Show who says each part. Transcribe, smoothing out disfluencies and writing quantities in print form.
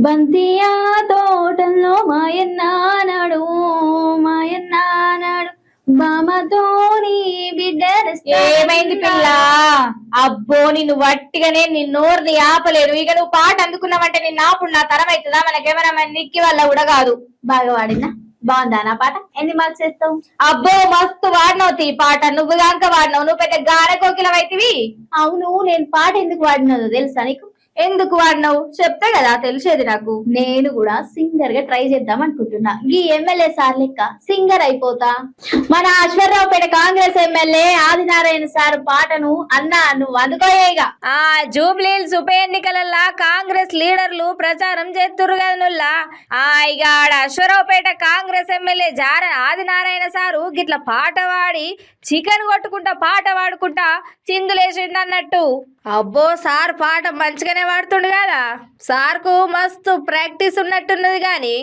Speaker 1: బంతియా తోటల్లో మాయన్నాడు మాయన్నాడు బామతోని
Speaker 2: ఏమైంది పిల్ల? అబ్బో నిన్ను వట్టిగానే నిన్నోర్ని ఆపలేరు. ఇక నువ్వు పాట అందుకున్నావంటే నిన్ను ఆపుడు నా తరం అవుతుందా? మనకేమైనా నిక్కి వల్ల కూడా కాదు.
Speaker 1: బాగా వాడినా బాగుందా నా పాట? ఎన్ని మార్క్స్ వేస్తావు?
Speaker 2: అబ్బో మస్తు వాడినవు ఈ పాట. నువ్వు గాంక వాడినావు. నువ్వు పెద్ద గాన కోకిలవైతివి.
Speaker 1: అవును, నేను పాట ఎందుకు వాడినదో తెలుసా నీకు?
Speaker 2: ఎందుకు వాడినావు చెప్తే కదా తెలిసేది నాకు.
Speaker 1: నేను కూడా సింగర్ గా ట్రై చేద్దాం అనుకుంటున్నా. ఈ ఎమ్మెల్యే సార్ లెక్క సింగర్ అయిపోతా. మన Aswaraopeta Congress MLA Adinarayana sir పాటను అన్నా నువ్వు అందుకోయేగా.
Speaker 2: ఆ జూబ్లీహిల్స్ ఉప ఎన్నికలల్లా కాంగ్రెస్ లీడర్లు ప్రచారం చేస్తుర్రు కదా నుల్లా. ఇక ఆడ అశ్వరావుపేట కాంగ్రెస్ ఎమ్మెల్యే జార ఆదినారాయణ సారు గిట్ల పాట వాడి చికెన్ కొట్టుకుంటా పాట పాడుకుంటా చిందులేసిండు అన్నట్టు. అబ్బో సార్ పాట మంచిగానే పాడుతుండు కదా. సార్కు మస్తు ప్రాక్టీస్ ఉన్నట్టున్నది గాని